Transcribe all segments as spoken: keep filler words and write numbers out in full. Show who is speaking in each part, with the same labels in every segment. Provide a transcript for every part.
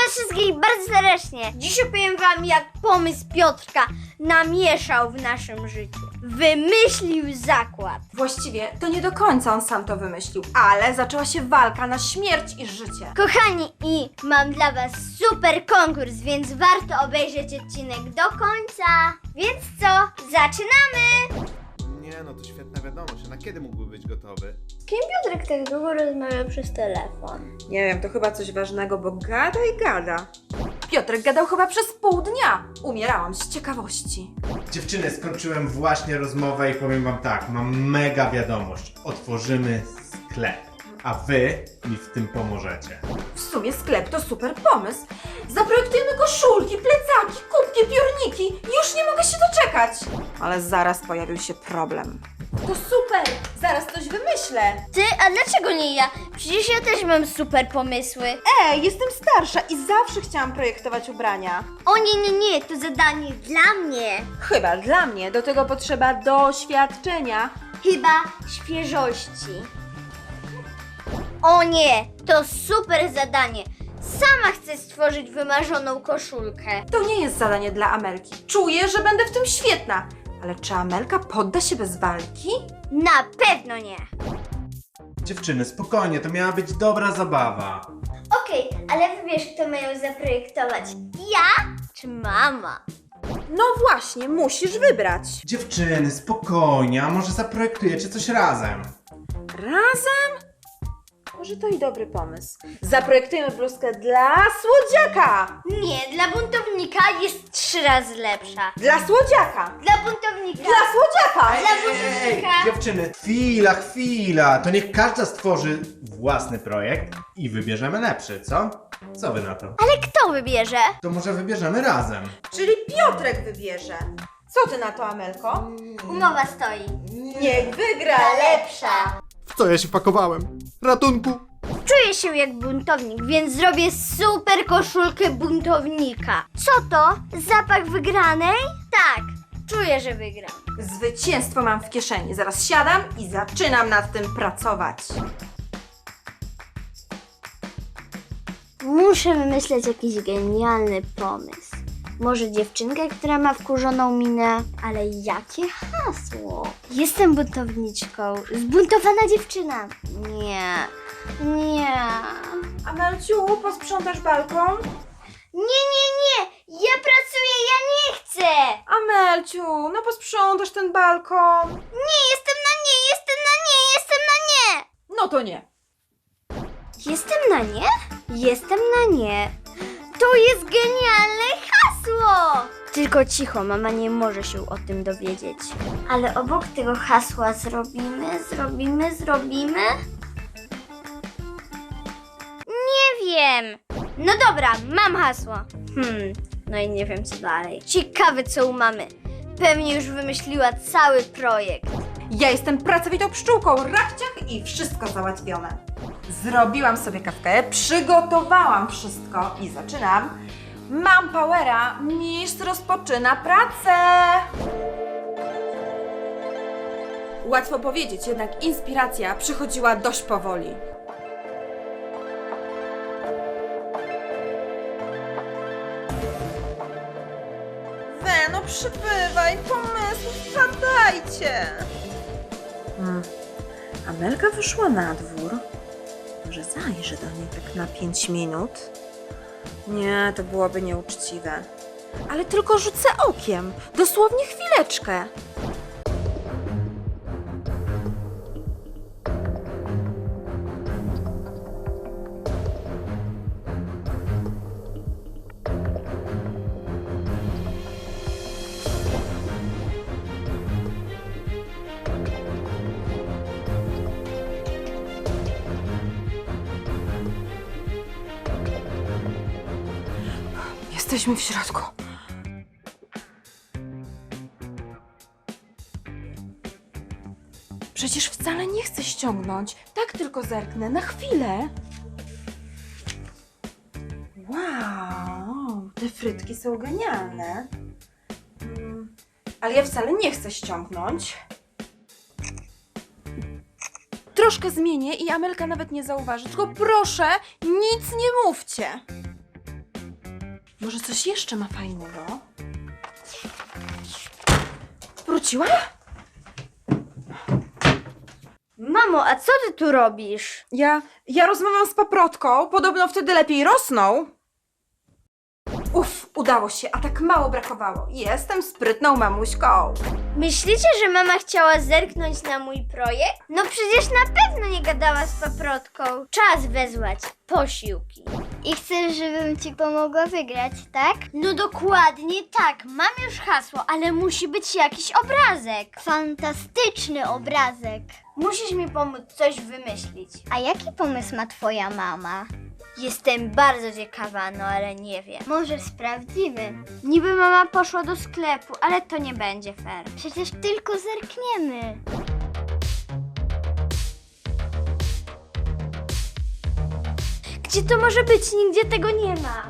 Speaker 1: wszystkich bardzo serdecznie. Dziś opowiem wam, jak pomysł Piotrka namieszał w naszym życiu. Wymyślił zakład.
Speaker 2: Właściwie to nie do końca on sam to wymyślił, ale zaczęła się walka na śmierć i życie.
Speaker 1: Kochani, i mam dla was super konkurs, więc warto obejrzeć odcinek do końca. Więc co? Zaczynamy!
Speaker 3: Nie no, to świetna wiadomość. A na kiedy mógłby być gotowy?
Speaker 1: Z kim Piotrek tak długo rozmawiał przez telefon?
Speaker 2: Nie wiem, to chyba coś ważnego, bo gada i gada. Piotrek gadał chyba przez pół dnia. Umierałam z ciekawości.
Speaker 3: Dziewczyny, skończyłem właśnie rozmowę i powiem wam tak, mam mega wiadomość. Otworzymy sklep, a wy mi w tym pomożecie.
Speaker 2: W sumie sklep to super pomysł. Zaprojektujemy koszulki, plecaki, kubki, piórniki. Już nie mogę się doczekać. Ale zaraz pojawił się problem. To super! Zaraz coś wymyślę.
Speaker 1: Ty, a dlaczego nie ja? Przecież ja też mam super pomysły.
Speaker 2: Ej, jestem starsza i zawsze chciałam projektować ubrania.
Speaker 1: O nie, nie, nie, to zadanie dla mnie.
Speaker 2: Chyba dla mnie. Do tego potrzeba doświadczenia.
Speaker 1: Chyba świeżości. O nie, to super zadanie. Sama chcę stworzyć wymarzoną koszulkę.
Speaker 2: To nie jest zadanie dla Amelki. Czuję, że będę w tym świetna. Ale czy Amelka podda się bez walki?
Speaker 1: Na pewno nie.
Speaker 3: Dziewczyny, spokojnie, to miała być dobra zabawa.
Speaker 1: Okej, ale wybierz, kto ma ją zaprojektować. Ja czy mama?
Speaker 2: No właśnie, musisz wybrać.
Speaker 3: Dziewczyny, spokojnie, a może zaprojektujecie coś razem?
Speaker 2: Razem? Może to i dobry pomysł. Zaprojektujemy bluzkę dla słodziaka!
Speaker 1: Nie, dla buntownika jest trzy razy lepsza.
Speaker 2: Dla słodziaka!
Speaker 1: Dla buntownika.
Speaker 2: Dla słodziaka!
Speaker 1: Dla buntownika.
Speaker 3: dziewczyny, chwila, chwila, to niech każda stworzy własny projekt i wybierzemy lepszy, co? Co wy na to?
Speaker 1: Ale kto wybierze?
Speaker 3: To może wybierzemy razem.
Speaker 2: Czyli Piotrek wybierze. Co ty na to, Amelko?
Speaker 1: Umowa stoi.
Speaker 2: Niech wygra
Speaker 1: Lepsza.
Speaker 4: W co ja się pakowałem? Ratunku!
Speaker 1: Czuję się jak buntownik, więc zrobię super koszulkę buntownika. Co to? Zapach wygranej? Tak, czuję, że wygram.
Speaker 2: Zwycięstwo mam w kieszeni. Zaraz siadam i zaczynam nad tym pracować.
Speaker 1: Muszę wymyśleć jakiś genialny pomysł. Może dziewczynkę, która ma wkurzoną minę? Ale jakie hasło? Jestem buntowniczką. Zbuntowana dziewczyna. Nie, nie.
Speaker 2: Amelciu, posprzątasz balkon?
Speaker 1: Nie, nie, nie! Ja pracuję, ja nie chcę!
Speaker 2: Amelciu, no posprzątasz ten balkon.
Speaker 1: Nie, jestem na nie, jestem na nie, jestem na nie!
Speaker 2: No to nie.
Speaker 1: Jestem na nie? Jestem na nie. To jest genialne hasło! Tylko cicho, mama nie może się o tym dowiedzieć. Ale obok tego hasła zrobimy, zrobimy, zrobimy? Nie wiem. No dobra, mam hasło. Hmm, no i nie wiem co dalej. Ciekawe co u mamy. Pewnie już wymyśliła cały projekt.
Speaker 2: Ja jestem pracowitą pszczółką, rachciach i wszystko załatwione. Zrobiłam sobie kawkę, przygotowałam wszystko i zaczynam. Mam powera, mistrz rozpoczyna pracę. Łatwo powiedzieć, jednak inspiracja przychodziła dość powoli. We, no przybywaj, pomysłów wpadajcie. Hmm. Amelka wyszła na dwór. Może zajrzę do niej tak na pięć minut? Nie, to byłoby nieuczciwe. Ale tylko rzucę okiem. Dosłownie chwileczkę. Jesteśmy w środku. Przecież wcale nie chcę ściągnąć. Tak tylko zerknę na chwilę. Wow, te frytki są genialne. Mm, ale ja wcale nie chcę ściągnąć. Troszkę zmienię i Amelka nawet nie zauważy. Tylko proszę, nic nie mówcie. Może coś jeszcze ma fajnego? Wróciła?
Speaker 1: Mamo, a co ty tu robisz?
Speaker 2: Ja, ja rozmawiam z paprotką, podobno wtedy lepiej rosną. Uff, udało się, a tak mało brakowało. Jestem sprytną mamuśką.
Speaker 1: Myślicie, że mama chciała zerknąć na mój projekt? No przecież na pewno nie gadała z paprotką. Czas wezwać posiłki.
Speaker 5: I chcesz, żebym ci pomogła wygrać, tak?
Speaker 1: No dokładnie tak, mam już hasło, ale musi być jakiś obrazek.
Speaker 5: Fantastyczny obrazek.
Speaker 1: Musisz mi pomóc coś wymyślić.
Speaker 5: A jaki pomysł ma twoja mama?
Speaker 1: Jestem bardzo ciekawa, no ale nie wiem.
Speaker 5: Może sprawdzimy.
Speaker 1: Niby mama poszła do sklepu, ale to nie będzie fair.
Speaker 5: Przecież tylko zerkniemy.
Speaker 1: Gdzie to może być? Nigdzie tego nie ma.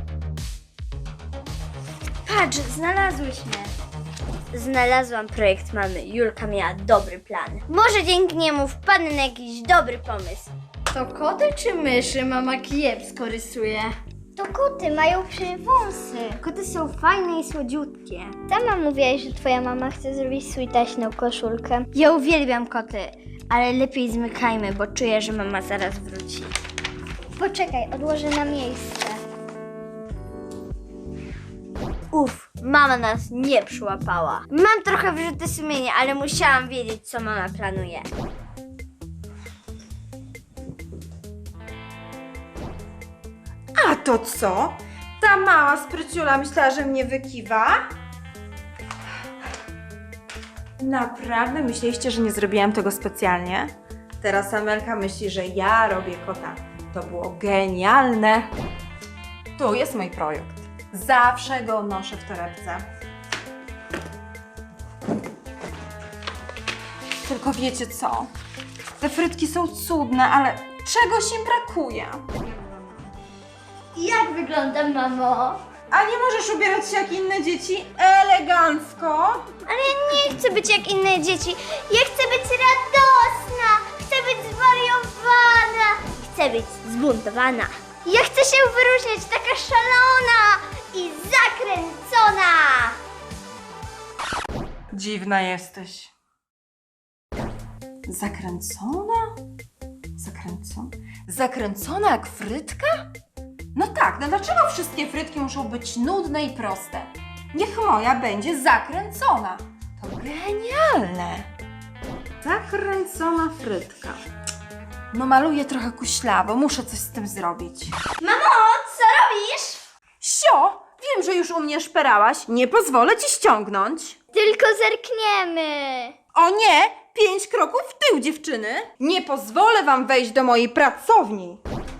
Speaker 1: Patrz, znalazłyśmy. Znalazłam projekt mamy. Julka miała dobry plan. Może dzięki niemu wpadnę na jakiś dobry pomysł. To koty czy myszy mama kiepsko rysuje?
Speaker 5: To koty mają wąsy.
Speaker 1: Koty są fajne i słodziutkie.
Speaker 5: Sama mówiłaś, że twoja mama chce zrobić swój taśną koszulkę.
Speaker 1: Ja uwielbiam koty, ale lepiej zmykajmy, bo czuję, że mama zaraz wróci.
Speaker 5: Poczekaj, odłożę na miejsce.
Speaker 1: Uf, mama nas nie przyłapała. Mam trochę wyrzuty sumienia, ale musiałam wiedzieć, co mama planuje.
Speaker 2: A to co? Ta mała spryciula myślała, że mnie wykiwa? Naprawdę myśleliście, że nie zrobiłam tego specjalnie? Teraz Amelka myśli, że ja robię kota. To było genialne. Tu jest mój projekt. Zawsze go noszę w torebce. Tylko wiecie co? Te frytki są cudne, ale czegoś im brakuje.
Speaker 1: Jak wyglądam, mamo?
Speaker 2: A nie możesz ubierać się jak inne dzieci? Elegancko.
Speaker 1: Ale ja nie chcę być jak inne dzieci. Ja chcę być radosna. Chcę być zwariowana. Chcę być zbuntowana. Ja chcę się wyróżniać, taka szalona i zakręcona.
Speaker 2: Dziwna jesteś. Zakręcona? Zakręcona? Zakręcona jak frytka? No tak, no dlaczego wszystkie frytki muszą być nudne i proste? Niech moja będzie zakręcona. To genialne. Zakręcona frytka. No maluję trochę kuślawo, muszę coś z tym zrobić.
Speaker 1: Mamo, co robisz?
Speaker 2: Sio, wiem, że już u mnie szperałaś. Nie pozwolę ci ściągnąć.
Speaker 5: Tylko zerkniemy.
Speaker 2: O nie! Pięć kroków w tył, dziewczyny! Nie pozwolę wam wejść do mojej pracowni!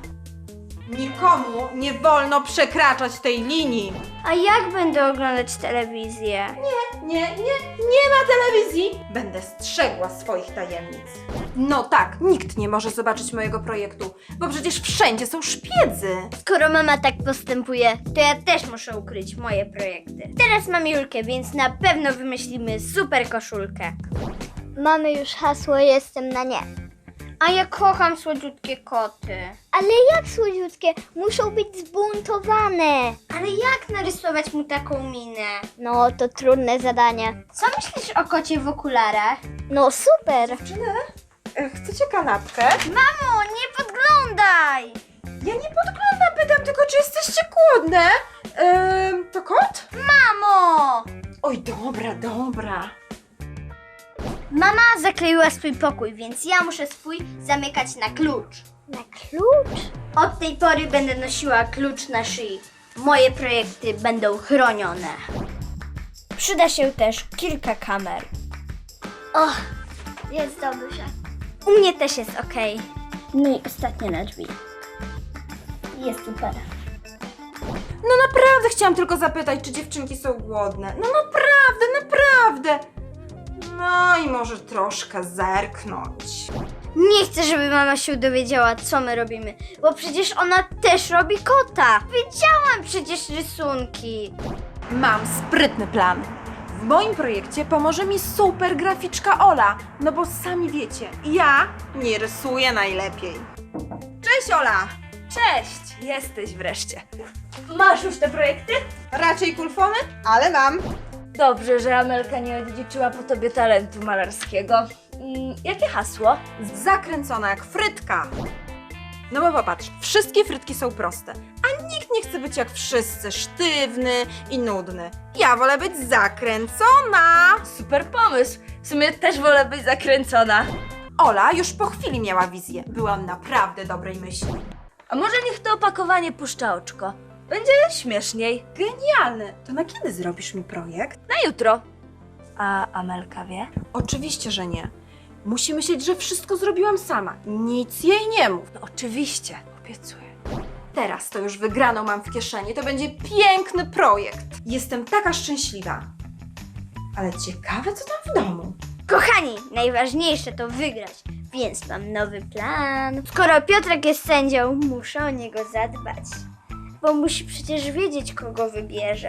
Speaker 2: Nikomu nie wolno przekraczać tej linii!
Speaker 1: A jak będę oglądać telewizję?
Speaker 2: Nie, nie, nie ma telewizji! Będę strzegła swoich tajemnic. No tak, nikt nie może zobaczyć mojego projektu, bo przecież wszędzie są szpiedzy.
Speaker 1: Skoro mama tak postępuje, to ja też muszę ukryć moje projekty. Teraz mam Julkę, więc na pewno wymyślimy super koszulkę.
Speaker 5: Mamy już hasło, jestem na nie.
Speaker 1: A ja kocham słodziutkie koty.
Speaker 5: Ale jak słodziutkie, muszą być zbuntowane.
Speaker 1: Ale jak narysować mu taką minę?
Speaker 5: No, to trudne zadanie.
Speaker 1: Co myślisz o kocie w okularach?
Speaker 5: No super.
Speaker 2: Dziewczyny, e, chcecie kanapkę?
Speaker 1: Mamo, nie podglądaj!
Speaker 2: Ja nie podglądam, pytam tylko, czy jesteście głodne. Ehm, to kot?
Speaker 1: Mamo!
Speaker 2: Oj, dobra, dobra.
Speaker 1: Mama zakleiła swój pokój, więc ja muszę swój zamykać na klucz.
Speaker 5: Na klucz?
Speaker 1: Od tej pory będę nosiła klucz na szyi. Moje projekty będą chronione. Przyda się też kilka kamer.
Speaker 5: Och, jest dobrze.
Speaker 1: U mnie też jest ok. No i ostatnie na drzwi. Jest super.
Speaker 2: No naprawdę chciałam tylko zapytać, czy dziewczynki są głodne. No naprawdę, naprawdę. No i może troszkę zerknąć.
Speaker 1: Nie chcę, żeby mama się dowiedziała, co my robimy, bo przecież ona też robi kota. Widziałam przecież rysunki.
Speaker 2: Mam sprytny plan. W moim projekcie pomoże mi super graficzka Ola, no bo sami wiecie, ja nie rysuję najlepiej. Cześć Ola!
Speaker 6: Cześć, jesteś wreszcie. Masz już te projekty?
Speaker 2: Raczej kulfony, ale mam.
Speaker 6: Dobrze, że Amelka nie odziedziczyła po tobie talentu malarskiego. Mm, jakie hasło?
Speaker 2: Zakręcona jak frytka. No bo popatrz, wszystkie frytki są proste, a nikt nie chce być jak wszyscy, sztywny i nudny. Ja wolę być zakręcona.
Speaker 6: Super pomysł. W sumie też wolę być zakręcona.
Speaker 2: Ola już po chwili miała wizję. Byłam naprawdę dobrej myśli.
Speaker 6: A może niech to opakowanie puszcza oczko? Będzie śmieszniej.
Speaker 2: Genialne! To na kiedy zrobisz mi projekt?
Speaker 6: Na jutro. A Amelka wie?
Speaker 2: Oczywiście, że nie. Musi myśleć, że wszystko zrobiłam sama. Nic jej nie mów.
Speaker 6: No oczywiście, obiecuję.
Speaker 2: Teraz to już wygraną mam w kieszeni. To będzie piękny projekt. Jestem taka szczęśliwa. Ale ciekawe, co tam w domu.
Speaker 1: Kochani, najważniejsze to wygrać, więc mam nowy plan. Skoro Piotrek jest sędzią, muszę o niego zadbać. Bo musi przecież wiedzieć, kogo wybierze.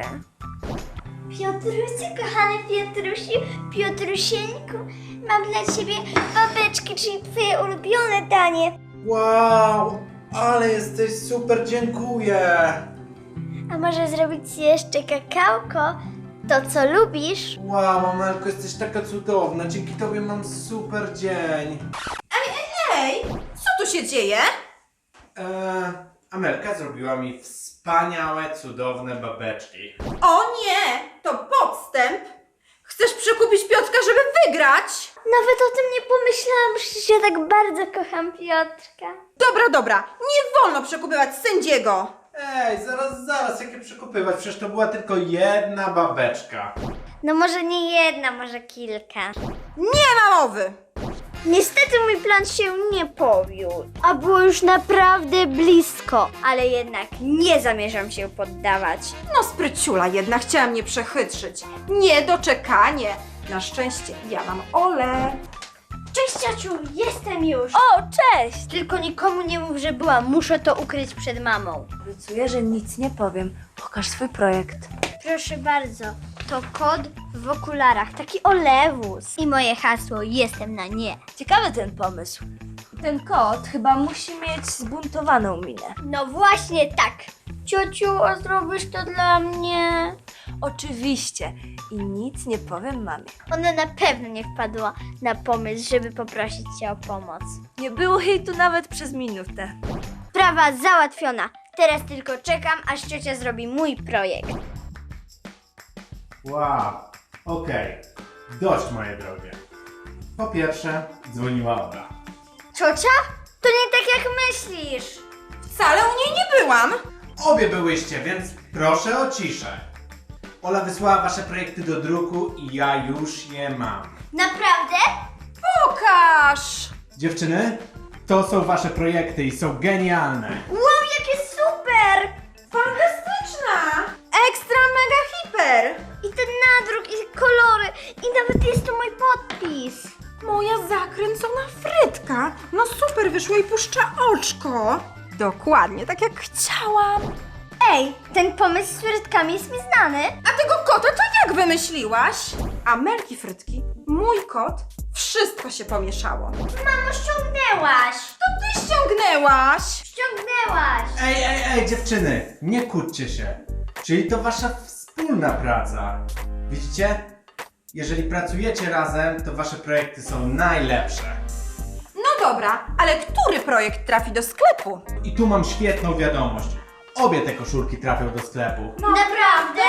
Speaker 1: Piotrusiu, kochany Piotrusiu, Piotrusieńku, mam dla ciebie babeczki, czyli twoje ulubione danie.
Speaker 3: Wow, ale jesteś super, dziękuję.
Speaker 1: A może zrobić ci jeszcze kakałko? To, co lubisz?
Speaker 3: Wow, Amelko, jesteś taka cudowna, dzięki tobie mam super dzień.
Speaker 2: Ej, co tu się dzieje?
Speaker 3: Eee, Amelka zrobiła mi wspaniałe, cudowne babeczki.
Speaker 2: O nie, to podstęp. Chcesz przekupić Piotrka, żeby wygrać?
Speaker 1: Nawet o tym nie pomyślałam, przecież ja tak bardzo kocham Piotrka.
Speaker 2: Dobra, dobra, nie wolno przekupywać sędziego.
Speaker 3: Ej, zaraz, zaraz, jakie przekupywać? Przecież to była tylko jedna babeczka.
Speaker 1: No może nie jedna, może kilka.
Speaker 2: Nie ma mowy.
Speaker 1: Niestety mój plan się nie powiódł, a było już naprawdę blisko, ale jednak nie zamierzam się poddawać.
Speaker 2: No spryciula jednak chciała mnie przechytrzyć. Niedoczekanie. Na szczęście ja mam Olę.
Speaker 1: Cześć ciociu, jestem już.
Speaker 6: O, cześć!
Speaker 1: Tylko nikomu nie mów, że byłam, muszę to ukryć przed mamą.
Speaker 6: Obiecuję, że nic nie powiem. Pokaż swój projekt.
Speaker 1: Proszę bardzo, to kot w okularach, taki olewus. I moje hasło, jestem na nie.
Speaker 6: Ciekawy ten pomysł. Ten kot chyba musi mieć zbuntowaną minę.
Speaker 1: No właśnie tak. Ciociu, a zrobisz to dla mnie?
Speaker 6: Oczywiście. I nic nie powiem mamie.
Speaker 1: Ona na pewno nie wpadła na pomysł, żeby poprosić cię o pomoc.
Speaker 6: Nie było jej tu nawet przez minutę.
Speaker 1: Sprawa załatwiona. Teraz tylko czekam, aż ciocia zrobi mój projekt.
Speaker 3: Wow, okej, dość moje drogie. Po pierwsze, dzwoniła Ola.
Speaker 1: Ciocia? To nie tak jak myślisz.
Speaker 2: Wcale u niej nie byłam.
Speaker 3: Obie byłyście, więc proszę o ciszę. Ola wysłała wasze projekty do druku i ja już je mam.
Speaker 1: Naprawdę?
Speaker 2: Pokaż.
Speaker 3: Dziewczyny, to są wasze projekty i są genialne.
Speaker 1: Wow, jakie super!
Speaker 2: Fantastyczna. Ekstra mega hiper.
Speaker 1: I ten nadruk, i kolory, i nawet jest tu mój podpis.
Speaker 2: Moja zakręcona frytka. No super, wyszło i puszcza oczko. Dokładnie, tak jak chciałam.
Speaker 1: Ej, ten pomysł z frytkami jest mi znany.
Speaker 2: A tego kota to jak wymyśliłaś? Amelki frytki, mój kot, wszystko się pomieszało.
Speaker 1: Mamo, ściągnęłaś!
Speaker 2: To ty ściągnęłaś.
Speaker 1: Ściągnęłaś!
Speaker 3: Ej, ej, ej, dziewczyny, nie kłóćcie się. Czyli to wasza wspólna praca. Widzicie? Jeżeli pracujecie razem, to wasze projekty są najlepsze.
Speaker 2: No dobra, ale który projekt trafi do sklepu?
Speaker 3: I tu mam świetną wiadomość. Obie te koszulki trafią do sklepu.
Speaker 1: Naprawdę?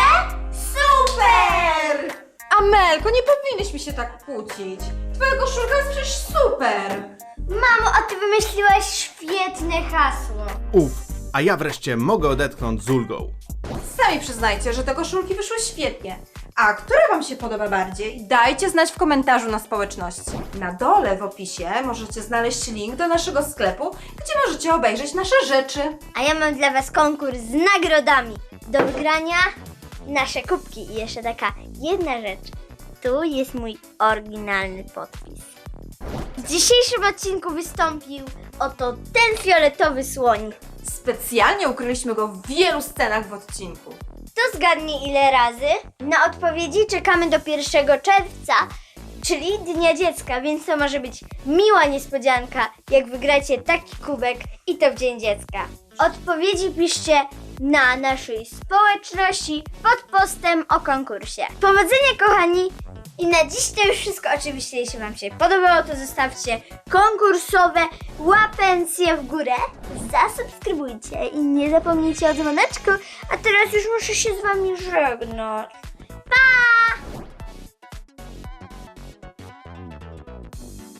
Speaker 1: Super!
Speaker 2: Amelko, nie powinnyśmy się tak kłócić. Twoja koszulka jest przecież super.
Speaker 1: Mamo, a ty wymyśliłaś świetne hasło.
Speaker 4: Uf, a ja wreszcie mogę odetchnąć z ulgą.
Speaker 2: Sami przyznajcie, że te koszulki wyszły świetnie. A która wam się podoba bardziej? Dajcie znać w komentarzu na społeczności. Na dole w opisie możecie znaleźć link do naszego sklepu, gdzie możecie obejrzeć nasze rzeczy.
Speaker 1: A ja mam dla was konkurs z nagrodami. Do wygrania nasze kubki. I jeszcze taka jedna rzecz. Tu jest mój oryginalny podpis. W dzisiejszym odcinku wystąpił oto ten fioletowy słoń.
Speaker 2: Specjalnie ukryliśmy go w wielu scenach w odcinku.
Speaker 1: To zgadnie ile razy? Na odpowiedzi czekamy do pierwszego czerwca, czyli Dnia Dziecka, więc to może być miła niespodzianka, jak wygracie taki kubek i to w Dzień Dziecka. Odpowiedzi piszcie na naszej społeczności pod postem o konkursie. Powodzenia, kochani! I na dziś to już wszystko. Oczywiście, jeśli Wam się podobało, to zostawcie konkursowe łapencje w górę, zasubskrybujcie i nie zapomnijcie o dzwoneczku. A teraz już muszę się z Wami żegnać. Pa!